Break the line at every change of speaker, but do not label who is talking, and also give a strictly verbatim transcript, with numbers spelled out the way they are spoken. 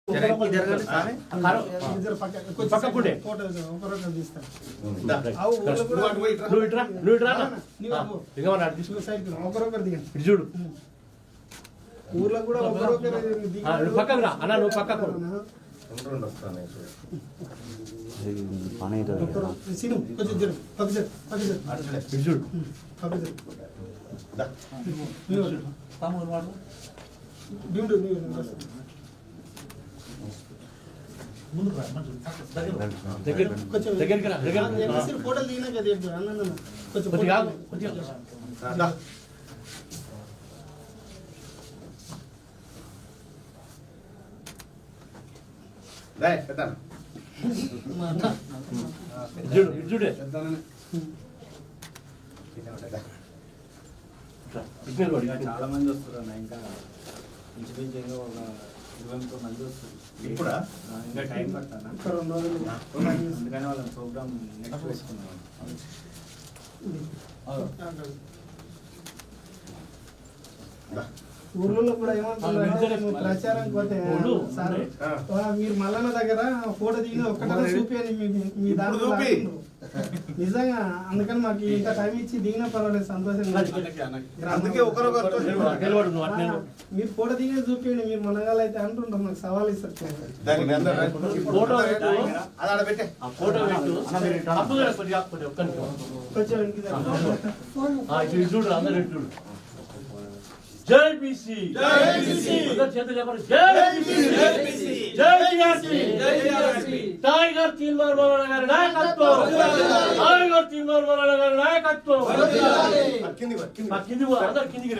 చూడు
ఊర్లో కూడా
పక్కకు రా అన్న, నువ్వు పక్కకు చూడు దగ్గరికి రా, దగ్గర
ఫోటోలు దిగినా కదా కొంచెం
చూడే
చాలా మంది వస్తారు అన్న, ఇంకా ఇంచుమించు ఒక ఇరవై ముప్పై మంది వస్తారు.
ఇప్పుడా
ఇంకా టైం పడతాను, అందుకని వాళ్ళ ప్రోగ్రామ్ నెక్స్ట్ వేసుకున్నాం.
ఊర్లలో కూడా ఏమంటున్నారు ప్రచారం పోతే సార్ మీరు మల్లన్న దగ్గర ఫోటో దిగిన ఒక్కటే చూపించండి మీ దాంట్లో నిజంగా. అందుకని మాకు ఇంత టైం ఇచ్చి దిగినా పర్వాలేదు, సంతోషంగా. మీరు ఫోటో దిగిన చూపించండి, మీరు మనగాళ్ళు అయితే అంటుంటాం, నాకు సవాల్ ఇస్తారు.
కొంచెం జై బీసీ, జై బీసీ, చేతులు చెప్పండి. జై బీసీ, జై టీఆర్సీ, టైగర్ తీన్మార్ మౌలానా గారి నాయకత్వం, టైగర్ తీన్మార్ మౌలానా గారి నాయకత్వం. కింది అందరు కిందికి